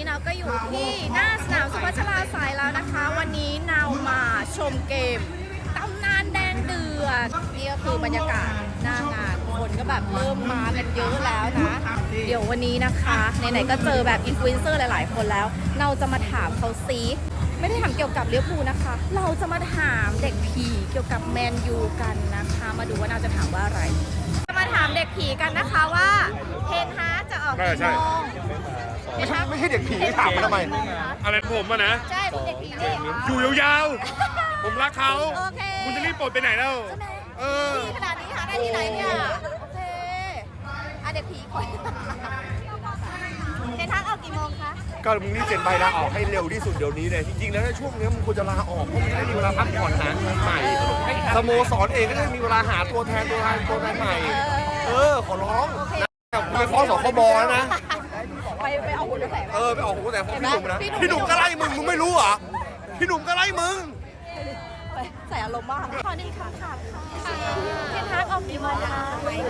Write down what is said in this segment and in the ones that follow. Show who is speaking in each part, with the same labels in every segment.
Speaker 1: เราก็อยู่ที่หน้าสนามสุพัชราไสยแล้วนะคะวันนี้เรามาชมเกมตำนานแดงเดือดนี่ก็คือบรรยากาศหน้างานคนก็แบบเริ่มมากันเยอะแล้วนะเดี๋ยววันนี้นะคะไหนๆก็เจอแบบอินฟลูเอนเซอร์หลายๆคนแล้วเราจะมาถามเขาซิไม่ได้ถามเกี่ยวกับลิเวอร์พูลนะคะเราจะมาถามเด็กผีเกี่ยวกับแมนยูกันนะคะมาดูว่าเราจะถามว่าอะไรจะมาถามเด็กผีกันนะคะว่าเทนฮาร์จะออกกี่โมง
Speaker 2: ไม่ใช่เด็กผีถามมาทำไม
Speaker 3: อะไรผมอะนะ
Speaker 1: ใช่คุณเด็กผีนี่
Speaker 3: อยู่ยาวๆผมรักเขาคุณจะรีบปลดไปไหนแล้ว
Speaker 1: ดีขนาดนี้หาได้ที่ไหนเนี่ยโอเคเด็กผีคอยเทนฮาร์ออกกี่โมงคะ
Speaker 2: ก็มึงรีบเซ็นใบลาออกให้เร็วที่สุดเดี๋ยวนี้เลยจริงๆแล้วในช่วงนี้มึงควรจะลาออกเพราะมึงจะได้มีเวลาพักผ่อนหาเงินใหม่สโมสรเองก็ได้มีเวลาหาตัวแทนใหม่ขอร้องไปฟ้องสคบแล้วนะ
Speaker 1: ไปเอาหุ่นกระแส
Speaker 2: ไปออกหัวแต่ฟ้องพี่หนุ่มนะพี่หนุ่มก็ไล่มึงไม่รู้เหรอพี่หนุ่มก็ไล่มึง
Speaker 1: ใส่อารมณ์มากขอหนึ่งค่ะเทนฮาร์ออกกี่โมงคะ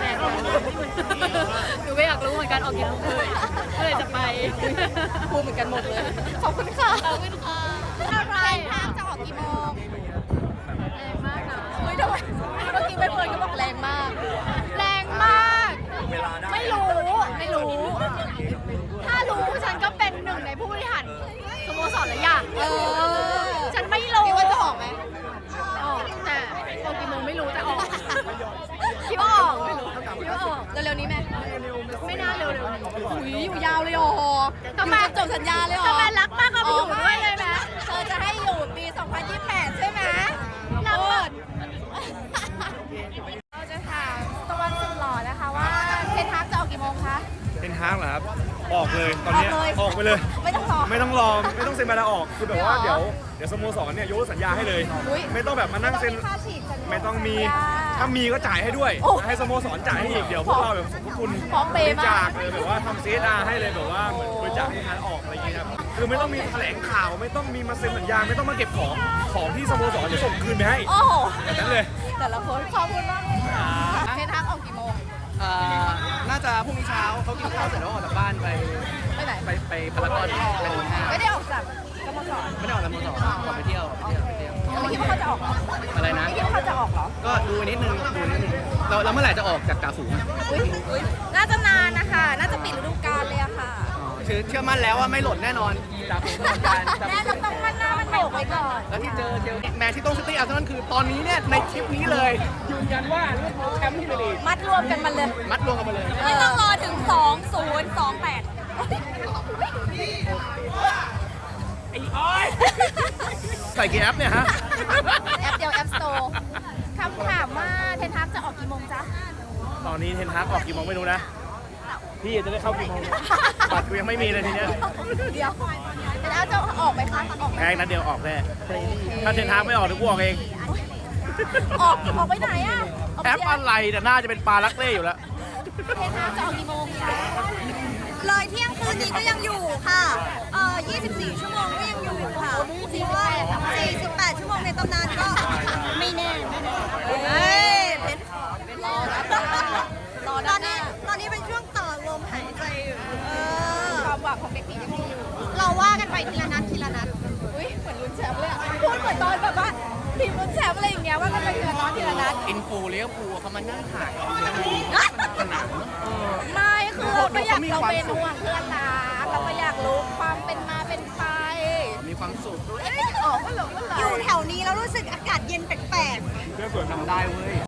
Speaker 4: หนูไม่อยากรู้เหมือนกันออกกี่โมงเลยจะไป
Speaker 1: พูดเหมือนกันหมดเลยขอบคุณค่ะ
Speaker 4: ขอบคุณค่ะ
Speaker 1: อะไรทางจะออกกี่โมง
Speaker 4: แรงมากนะ
Speaker 1: เฮ้ยทำไมเมื่อกี้ใบเฟิร์นก็บอกแรงมากแรงมากไม่รู้
Speaker 4: ถ้ารู้ฉันก็เป็นหนึ่งในผู้บริหารสโมสรเลยอย่างฉันไม่รู้
Speaker 1: คิดว่าจะออกไหม
Speaker 4: ออกแต่ออกกี่โมงไม่รู้แต่ออกคิดว่าออกไม่รู้คิดว่าออก
Speaker 1: เร็วๆนี้ไหม
Speaker 4: ไม่น่าเร็ว
Speaker 1: อยู่ยาวเลยอ๋อทำไมจบสัญญาเลยอ๋อ
Speaker 4: ทำไมรักมากก็ไปอยู่ด้วยเลยไหม
Speaker 1: เธอจะให้อยู่ปี 2028 ใช่ไหม
Speaker 4: รัก
Speaker 1: เราจะถามตะวันสุดหล่อนะคะว่าเทนฮาร์จะออกกี่โมงคะ
Speaker 3: เทนฮาร์เหรอครับออกเลยตอนนี้ออกไปเลย
Speaker 1: ไม่ต้องรอ
Speaker 3: ไม่ต้องเซ็นใบลาออกคือแบบว่าเดี๋ยวสโมสรเนี่ยยกสัญญาให้เลยไม่ต้องแบบมานั่งเซ็นไม่ต้องมีถ้ามีก็จ่ายให้ด้วยให้สโมสรจ่ายให้อีกเดี๋ยวพวกเราแบบสมทบทุนบริจาคเลยแบบว่าทำซีดาให้เลยแบบว่าเหมือนบริจาคให้ทางออกอะไรอย่างเงี้ยครับคือไม่ต้องมีแถลงข่าวไม่ต้องมีมาเซ็นสัญญาไม่ต้องมาเก็บของที่สโมสรจะส่งคืนไปให้แบบนั้นเลย
Speaker 1: แต่ละคนขอบคุณมากเลยเทนฮาร์ออกกี่โมง
Speaker 5: น่าจะพรุ่งนี้เช้าเขากินข้าวเสร็จแล้วออกจากบ้านไป
Speaker 1: ไหน
Speaker 5: ไปพารากอนไปดูห้าง
Speaker 1: ไม่ได้ออกจากสโมสร
Speaker 5: ไม่ได้ออกจากสโมสรออกไปเที่ยว
Speaker 1: ไม่คิดว่าเขาจะออกหรอ
Speaker 5: อะไรนะ
Speaker 1: ไม่คิดว่าเขาจะออกหรอ
Speaker 5: ก็ดูนิดนึงเราเมื่อไหร่จะออกจากกาฝูง
Speaker 1: น่าจะนานนะคะน่าจะปิดฤดูกาลเลยอะค่ะ
Speaker 5: เชื่อมั่นแล้วว่าไม่หล่นแน่นอนจากฝูงตลอดการ
Speaker 1: แน่ต้องมั่นหน้ามันโบกไว้ก่อน
Speaker 5: แล้วที่เจอแมนที่ต้องซิตี้อาร์เซนอลคือตอนนี้เนี่ยในทริปนี้เลยยืนยันว่าลิเวอร์พูลแชมป์ที่ลีก
Speaker 1: มัดรวมกันมาเลย
Speaker 4: ไม่ต้องรอถึง 2028
Speaker 5: ใส่กี่แอปเนี่ยฮะ
Speaker 1: แอปเดียวแอปสโตร์คำถามว่าเทนฮาร์จะออกกี่โมงจ๊ะ
Speaker 3: ตอนนี้เทนฮาร์ออกกี่โมงไม่รู้นะพี่จะได้เข้ากี่โมงบัตรกูยังไม่มีเลยทีเนี้ย
Speaker 1: เดี๋ยวแล้วจะออกไหมคะออก
Speaker 3: แค่นัดเดียวออกแน่ถ้าเทนฮาร์ไม่ออกเดี๋ยวกูออกเอง
Speaker 1: ออกไปไหนอ่ะ
Speaker 3: แอปอะไรแต่น่าจะเป็นปลาลักเล่อยู่แล้ว
Speaker 1: เทนฮาร์จะออกกี่โมงจ๊ะ
Speaker 4: เลยเที่ยงคืนนี้ก็ยังอยู่ค่ะ24 ชั่วโมงก็ยังอยู่ค่ะ48 ชั่วโมงในตำนานก็ไม่แน่ตอนนี้เป็นช่วงต่อลมหายใจอยู่
Speaker 1: ความหวังของเด็กผียังมีอยู่
Speaker 4: เราว่ากันไปทีละนัด
Speaker 1: อุ้ยเหมือนลุ้นแชมป์เลยพูดเหมือนตอนแบบว่าทีมลุ้นแชมป์อะไรอย่างเงี้ยว่ากันไปทีละนัด
Speaker 5: อินฟูเลี้ยวภูเขามานั่งถ่าย
Speaker 1: ไม่คือเราก็อยากเราเป็นห่วงเพื่อนนะเราก็อยากรู้ความเป็นมาเป็นไป
Speaker 5: มีความสุข
Speaker 1: ออกก็หลง
Speaker 4: อยู่แถวนี้แล้วรู้สึกอากาศเย็นแปลก
Speaker 5: เพื่อนสวยทำได้เว้ย